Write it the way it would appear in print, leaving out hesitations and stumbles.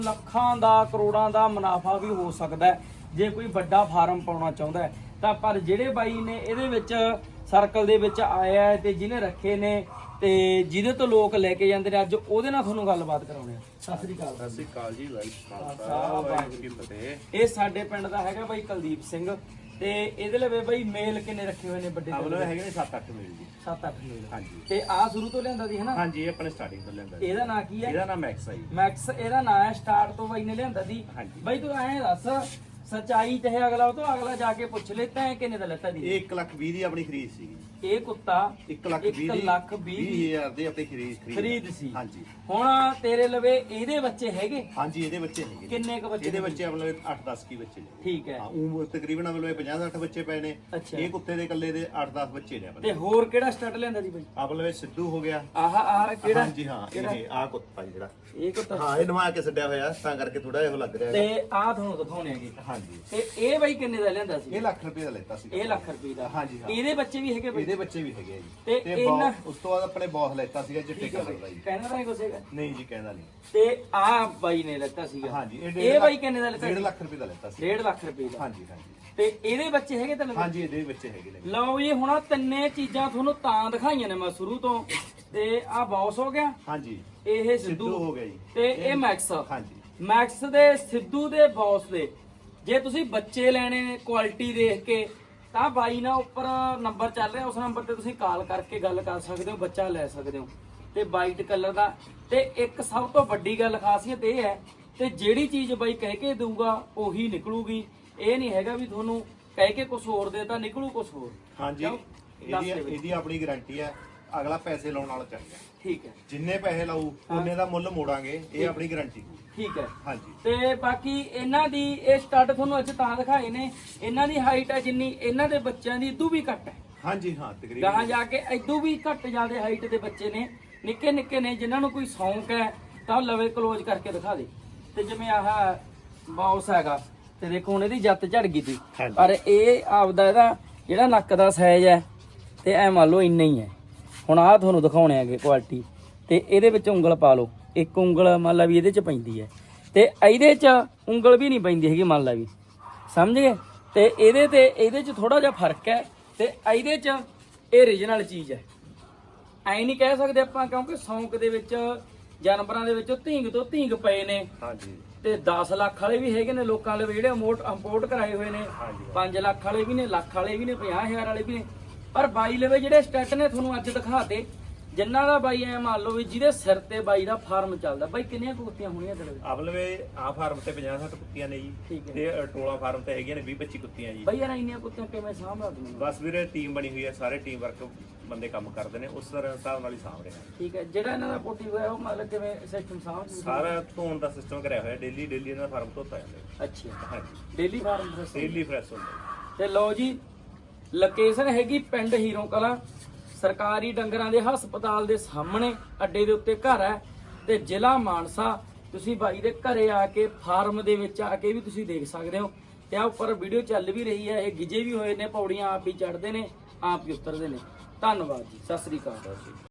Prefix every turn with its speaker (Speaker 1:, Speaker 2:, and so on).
Speaker 1: ਲੱਖਾਂ ਦਾ ਕਰੋੜਾਂ ਦਾ ਮੁਨਾਫਾ ਵੀ ਹੋ ਸਕਦਾ ਹੈ ਜੇ ਕੋਈ ਵੱਡਾ ਫਾਰਮ ਪਾਉਣਾ ਚਾਹੁੰਦਾ ਹੈ ਤਾਂ। ਪਰ ਜਿਹੜੇ ਬਾਈ ਨੇ ਇਹਦੇ ਵਿੱਚ ਸਰਕਲ ਦੇ ਵਿੱਚ ਆਇਆ ਹੈ ਤੇ ਜਿਹਨੇ ਰੱਖੇ ਨੇ ਤੇ ਜਿਹਦੇ ਤੋਂ ਲੋਕ ਲੈ ਕੇ ਜਾਂਦੇ ਨੇ, ਅੱਜ ਉਹਦੇ ਨਾਲ ਤੁਹਾਨੂੰ ਗੱਲਬਾਤ ਕਰਾਉਣੇ ਆ। ਸਤਿ ਸ੍ਰੀ ਅਕਾਲ।
Speaker 2: ਸਤਿ ਸ੍ਰੀ ਅਕਾਲ ਜੀ। ਵਾਹਿਗੁਰੂ ਜੀ ਕੀ ਫਤਿਹ।
Speaker 1: ਇਹ ਸਾਡੇ ਪਿੰਡ ਦਾ ਹੈਗਾ ਬਾਈ ਕੁਲਦੀਪ ਸਿੰਘ ਤੇ ਇਹਦੇ ਲਵੇ ਬਾਈ ਮੇਲ ਕਿੰਨੇ ਰੱਖੇ ਹੋਏ ਨੇ ਵੱਡੇ?
Speaker 2: ਆਵਲੇ ਹੈਗੇ ਨੇ 7-8 ਮੇਲ ਜੀ।
Speaker 1: 7-8 ਮੇਲ।
Speaker 2: ਹਾਂਜੀ।
Speaker 1: ਤੇ ਆ ਸ਼ੁਰੂ ਤੋਂ ਲਿਆਂਦਾ ਸੀ ਹਨਾ?
Speaker 2: ਹਾਂਜੀ, ਇਹ ਆਪਣੇ ਸਟਾਰਟਿੰਗ ਤੋਂ ਲੈਂਦਾ।
Speaker 1: ਇਹਦਾ ਨਾਂ ਕੀ ਹੈ?
Speaker 2: ਇਹਦਾ ਨਾਮ ਮੈਕਸ ਹੈ ਜੀ।
Speaker 1: ਮੈਕਸ ਇਹਦਾ ਨਾਂ ਹੈ। ਸਟਾਰਟ ਤੋਂ ਬਾਈ ਨੇ ਲਿਆਂਦਾ ਸੀ।
Speaker 2: ਹਾਂਜੀ।
Speaker 1: ਬਾਈ ਤੂੰ ਐਂ ਦੱਸ ਸੱਚਾਈ ਚਾਹੇ ਅਗਲਾ ਉਹ ਤੋਂ ਅਗਲਾ ਜਾ ਕੇ ਪੁੱਛ ਲੈ ਤੈਂ ਕਿੰਨੇ ਦਾ ਲੈਤਾ ਦੀ?
Speaker 2: ਇਹ 1,20,000 ਦੀ ਆਪਣੀ ਖਰੀਦ ਸੀਗੀ।
Speaker 1: ਇਹ ਕੁੱਤਾ
Speaker 2: 1,20,000 ਦੀ ਆਪਣੀ
Speaker 1: ਖਰੀਦ ਸੀ।
Speaker 2: ਹਾਂਜੀ।
Speaker 1: ਹੁਣ ਤੇਰੇ ਲਵੇ ਇਹਦੇ ਬੱਚੇ ਹੈਗੇ?
Speaker 2: ਹਾਂਜੀ, ਇਹਦੇ ਬੱਚੇ ਹੈਗੇ।
Speaker 1: ਕਿੰਨੇ ਕ ਬੱਚੇ?
Speaker 2: ਇਹਦੇ ਬੱਚੇ ਆਪਣੇ 8-10 ਕੀ ਬੱਚੇ ਨੇ।
Speaker 1: ਠੀਕ ਹੈ।
Speaker 2: ਉਹ ਤਕਰੀਬਨ ਆਪਣੇ 50-60 ਬੱਚੇ ਪਏ ਨੇ।
Speaker 1: ਅੱਛਾ।
Speaker 2: ਇਹ ਕੁੱਤੇ ਦੇ ਇਕੱਲੇ ਦੇ 8-10 ਬੱਚੇ ਨੇ ਆਪਣੇ।
Speaker 1: ਤੇ ਹੋਰ ਕਿਹੜਾ ਸਟੱਡ ਲਿਆਂਦਾ ਸੀ ਬਾਈ?
Speaker 2: ਆਪਣੇ ਸਿੱਧੂ ਹੋ ਗਿਆ।
Speaker 1: ਆਹ ਕਿਹੜਾ?
Speaker 2: ਹਾਂਜੀ ਹਾਂ, ਇਹ ਆਹ ਕੁੱਤਾ ਜਿਹੜਾ
Speaker 1: ਇਹ ਕੁੱਤਾ।
Speaker 2: ਹਾਂ, ਇਹ ਨਵਾ ਕੇ ਛੱਡਿਆ ਹੋਇਆ ਤਾਂ ਕਰਕੇ ਥੋੜਾ ਜਿਹਾ ਲੱਗ ਰਿਹਾ।
Speaker 1: ਤੇ ਆਹ ਤੁਹਾਨੂੰ ਦਿਖਾਉਣੇ ਹੈਗੇ।
Speaker 2: ਹਾਂਜੀ।
Speaker 1: ਤੇ ਇਹ ਬਾਈ ਕਿੰਨੇ ਦਾ ਲਿਆਂਦਾ ਸੀ?
Speaker 2: ਇਹ ਲੱਖ ਰੁਪਏ ਦਾ ਲੈਤਾ ਸੀ।
Speaker 1: ਇਹ ਲੱਖ ਰੁਪਏ ਦਾ?
Speaker 2: ਹਾਂਜੀ ਹਾਂ।
Speaker 1: ਇਹਦੇ ਬੱਚੇ ਵੀ ਹੈਗੇ ਬਾਈ?
Speaker 2: ਇਹਦੇ ਬੱਚੇ ਵੀ ਹੈਗੇ ਆ ਜੀ।
Speaker 1: ਤੇ ਇਹਨਾਂ
Speaker 2: ਉਸ ਤੋਂ ਬਾਅਦ ਆਪਣੇ ਬੌਸ ਲੈਤਾ ਸੀਗਾ ਚਿੱਟੇ ਕਲਰ ਦਾ ਜੀ।
Speaker 1: ਕਹਿੰਦਾ ਤਾਂ ਕੁਛ ਹੈਗਾ?
Speaker 2: ਨਹੀਂ ਜੀ, ਕਹਿੰਦਾ ਨਹੀਂ।
Speaker 1: ਤੇ ਆਹ ਬਾਈ ਨੇ ਲੈਤਾ ਸੀਗਾ।
Speaker 2: ਹਾਂਜੀ।
Speaker 1: ਇਹ ਬਾਈ ਕਿੰਨੇ ਦਾ ਲੈਤਾ?
Speaker 2: 1.5 ਲੱਖ ਰੁਪਏ ਦਾ ਲੈਤਾ ਸੀ।
Speaker 1: 1.5 ਲੱਖ ਰੁਪਏ ਦਾ?
Speaker 2: ਹਾਂਜੀ ਹਾਂਜੀ।
Speaker 1: ਤੇ ਇਹਦੇ ਬੱਚੇ ਹੈਗੇ ਤਾਂ?
Speaker 2: ਹਾਂਜੀ, ਇਹਦੇ ਬੱਚੇ ਹੈਗੇ ਨੇ।
Speaker 1: ਲਓ ਜੀ, ਹੁਣ ਆਹ ਤਿੰਨੇ ਚੀਜ਼ਾਂ ਤੁਹਾਨੂੰ ਤਾਂ ਦਿਖਾਈਆਂ ਨੇ ਮੈਂ ਸ਼ੁਰੂ ਤੋਂ। ਤੇ ਆਹ ਬੌਸ ਹੋ ਗਿਆ।
Speaker 2: ਹਾਂਜੀ।
Speaker 1: ਇਹ
Speaker 2: ਸਿੱਧੂ ਹੋ ਗਿਆ ਜੀ।
Speaker 1: ਤੇ ਇਹ ਮੈਕਸ।
Speaker 2: ਹਾਂਜੀ।
Speaker 1: ਮੈਕਸ ਦੇ, ਸਿੱਧੂ ਦੇ, ਬੌਸ ਦੇ ਜੇ ਤੁਸੀਂ ਬੱਚੇ ਲੈਣੇ ਨੇ ਕੁਆਲਿਟੀ ਦੇਖ ਕੇ ਤਾਂ ਬਾਈ ਨਾਲ ਉੱਪਰ ਨੰਬਰ ਚੱਲ ਰਿਹਾ, ਉਸ ਨੰਬਰ ਤੇ ਤੁਸੀਂ ਕਾਲ ਕਰਕੇ ਗੱਲ ਕਰ ਸਕਦੇ ਹੋ, ਬੱਚਾ ਲੈ ਸਕਦੇ ਹੋ। ਤੇ ਵਾਈਟ ਕਲਰ ਦਾ। ਤੇ ਇੱਕ ਸਭ ਤੋਂ ਵੱਡੀ ਗੱਲ ਖਾਸੀਅਤ ਇਹ ਹੈ ਤੇ ਜਿਹੜੀ ਚੀਜ਼ ਬਾਈ ਕਹਿ ਕੇ ਦਊਗਾ ਉਹੀ ਨਿਕਲੂਗੀ। ਇਹ ਨਹੀਂ ਹੈਗਾ ਵੀ ਤੁਹਾਨੂੰ ਕਹਿ ਕੇ ਕੁਝ ਹੋਰ ਦੇ ਤਾਂ ਨਿਕਲੂ ਕੁਝ ਹੋਰ।
Speaker 2: ਹਾਂਜੀ। ਇਹਦੀ ਆਪਣੀ ਗਾਰੰਟੀ ਹੈ। ਅਗਲਾ ਪੈਸੇ ਲਾਉਣ ਵਾਲਾ ਚਾਹੀਦਾ।
Speaker 1: ਠੀਕ ਹੈ।
Speaker 2: ਜਿੰਨੇ ਪੈਸੇ ਲਾਊ ਉਹਨੇ ਦਾ ਮੁੱਲ ਮੋੜਾਂਗੇ, ਇਹ ਆਪਣੀ ਗਾਰੰਟੀ।
Speaker 1: ਠੀਕ ਹੈ।
Speaker 2: ਹਾਂਜੀ।
Speaker 1: ਤੇ ਬਾਕੀ ਇਹਨਾਂ ਦੀ ਇਹ ਸਟੱਡ ਤੁਹਾਨੂੰ ਅੱਜ ਤਾਂ ਦਿਖਾਏ ਨੇ, ਇਹਨਾਂ ਦੀ ਹਾਈਟ ਹੈ ਜਿੰਨੀ ਇਹਨਾਂ ਦੇ ਬੱਚਿਆਂ ਦੀ ਇਦੋਂ ਵੀ ਘੱਟ ਹੈ।
Speaker 2: ਹਾਂਜੀ ਹਾਂ, ਤਕਰੀਬਨ
Speaker 1: ਗਾਹਾਂ ਜਾ ਕੇ ਇਦੋਂ ਵੀ ਘੱਟ ਜ਼ਿਆਦੇ ਹਾਈਟ ਦੇ ਬੱਚੇ ਨੇ, ਨਿੱਕੇ ਨਿੱਕੇ ਨੇ। ਜਿਨ੍ਹਾਂ ਨੂੰ ਕੋਈ ਸ਼ੌਂਕ ਹੈ ਤਾਂ ਉਹ ਲਵੇ ਕਲੋਜ਼ ਕਰਕੇ ਦਿਖਾ ਦੇ। ਤੇ ਜਿਵੇਂ ਆਹ ਬਾਉਸ ਹੈਗਾ ਤੇ ਦੇਖੋ ਹੁਣ ਇਹਦੀ ਜੱਤ ਝੜ ਗਈ ਸੀ, ਪਰ ਇਹ ਆਪਦਾ ਇਹਦਾ ਜਿਹੜਾ ਨੱਕ ਦਾ ਸਾਈਜ਼ ਹੈ ਤੇ ਐ ਮੰਨ ਲਓ ਇੰਨਾ ਹੀ ਹੈ। ਹੁਣ ਆਹ ਤੁਹਾਨੂੰ ਦਿਖਾਉਣੇ ਹੈਗੇ ਕੁਆਲਿਟੀ। ਤੇ ਇਹਦੇ ਵਿੱਚ ਉਂਗਲ ਪਾ ਲਓ, ਇੱਕ ਉਂਗਲ ਮੰਨ ਲਾ ਵੀ ਇਹਦੇ ਚ ਪੈਂਦੀ ਹੈ ਤੇ ਇਹਦੇ ਚ ਉਂਗਲ ਵੀ ਨਹੀਂ ਪੈਂਦੀ ਹੈਗੀ, ਮੰਨ ਲਾ ਵੀ, ਸਮਝ ਗਏ? ਤੇ ਇਹਦੇ ਚ ਥੋੜਾ ਜਿਹਾ ਫਰਕ ਹੈ ਤੇ ਇਹਦੇ ਚ ਇਹ ਰੀਜਨਲ ਚੀਜ਼ ਹੈ। ਐ ਨਹੀਂ ਕਹਿ ਸਕਦੇ ਆਪਾਂ, ਕਿਉਂਕਿ ਸ਼ੌਂਕ ਦੇ ਵਿੱਚ ਜਾਨਵਰਾਂ ਦੇ ਵਿੱਚ ਧੀਂਗ ਤੋਂ ਧੀਂਗ ਪਏ ਨੇ।
Speaker 2: ਹਾਂਜੀ।
Speaker 1: ਤੇ 10 ਲੱਖ ਵਾਲੇ ਵੀ ਹੈਗੇ ਨੇ ਲੋਕਾਂ ਦੇ ਜਿਹੜੇ ਇੰਪੋਰਟ ਕਰਾਏ ਹੋਏ ਨੇ। 5 ਲੱਖ ਵਾਲੇ ਵੀ ਨੇ, ਲੱਖ ਵਾਲੇ ਵੀ ਨੇ, 50,000 ਵਾਲੇ ਵੀ ਨੇ। ਪਰ ਬਾਈ ਲਵੇ ਜਿਹੜੇ ਸਟੈਟ ਨੇ ਤੁਹਾਨੂੰ ਅੱਜ ਦਿਖਾਤੇ, ਜਿੰਨਾ ਦਾ ਬਾਈ ਐ ਮੰਨ ਲਓ ਵੀ ਜਿਹਦੇ ਸਿਰ ਤੇ ਬਾਈ ਦਾ ਫਾਰਮ ਚੱਲਦਾ। ਬਾਈ ਕਿੰਨੀਆਂ ਕੁੱਤੀਆਂ ਹੋਣੀਆਂ ਤੇਰੇ?
Speaker 2: ਆਵਲਵੇ ਆ ਫਾਰਮ ਤੇ 50-60 ਕੁੱਤੀਆਂ ਨੇ ਜੀ।
Speaker 1: ਠੀਕ ਹੈ।
Speaker 2: ਤੇ ਟੋਲਾ ਫਾਰਮ ਤੇ ਹੈਗੀਆਂ ਨੇ 20-25 ਕੁੱਤੀਆਂ ਜੀ।
Speaker 1: ਬਾਈ ਯਾਰ ਇੰਨੀਆਂ ਕੁੱਤੀਆਂ ਕਿਵੇਂ ਸਾਂਭਦਾ ਤੂੰ?
Speaker 2: ਬਸ ਵੀਰੇ, ਟੀਮ ਬਣੀ ਹੋਈ ਹੈ, ਸਾਰੇ ਟੀਮ ਵਰਕ ਬੰਦੇ ਕੰਮ ਕਰਦੇ ਨੇ, ਉਸ ਤਰ੍ਹਾਂ ਹਿਸਾਬ ਨਾਲ ਹੀ ਸਾਂਭ ਰਹੇ ਹਾਂ।
Speaker 1: ਠੀਕ ਹੈ। ਜਿਹੜਾ ਇਹਨਾਂ ਦਾ ਪੋਟੀ ਹੋਇਆ ਉਹ ਮਤਲਬ ਕਿਵੇਂ ਸਿਸਟਮ ਸਾਂਭ?
Speaker 2: ਸਾਰਾ ਧੋਣ ਦਾ ਸਿਸਟਮ ਕਰਿਆ ਹੋਇਆ, ਡੇਲੀ ਇਹਨਾਂ ਦਾ ਫਾਰਮ ਧੋਤਾ ਜਾਂਦਾ।
Speaker 1: ਅੱਛਾ।
Speaker 2: ਹਾਂਜੀ।
Speaker 1: ਡੇਲੀ ਫਾਰਮ
Speaker 2: ਡੇਲੀ ਫਰੈਸ਼ ਹੁੰਦਾ।
Speaker 1: ਤੇ ਲਓ ਜੀ, ਲੋਕੇਸ਼ਨ ਹੈਗੀ ਪਿੰਡ ਹੀਰੋ ਕਲਾਂ, ਸਰਕਾਰੀ ਡੰਗਰਾਂ ਦੇ ਹਸਪਤਾਲ ਦੇ ਸਾਹਮਣੇ ਅੱਡੇ ਦੇ ਉੱਤੇ ਘਰ ਹੈ ਤੇ ਜ਼ਿਲ੍ਹਾ ਮਾਨਸਾ। ਤੁਸੀਂ ਬਾਈ ਦੇ ਘਰੇ ਆ ਕੇ, ਫਾਰਮ ਦੇ ਵਿੱਚ ਆ ਕੇ ਵੀ ਤੁਸੀਂ ਦੇਖ ਸਕਦੇ ਹੋ। ਤੇ ਆ ਉੱਪਰ ਵੀਡੀਓ ਚੱਲ ਵੀ ਰਹੀ ਹੈ। ਇਹ ਗਿਜੇ ਵੀ ਹੋਏ ਨੇ, ਪੌੜੀਆਂ ਆਪ ਹੀ ਚੜ੍ਹਦੇ ਨੇ, ਆਪ ਹੀ ਉਤਰਦੇ ਨੇ। ਧੰਨਵਾਦ ਜੀ। ਸਤਿ ਸ੍ਰੀ ਅਕਾਲ।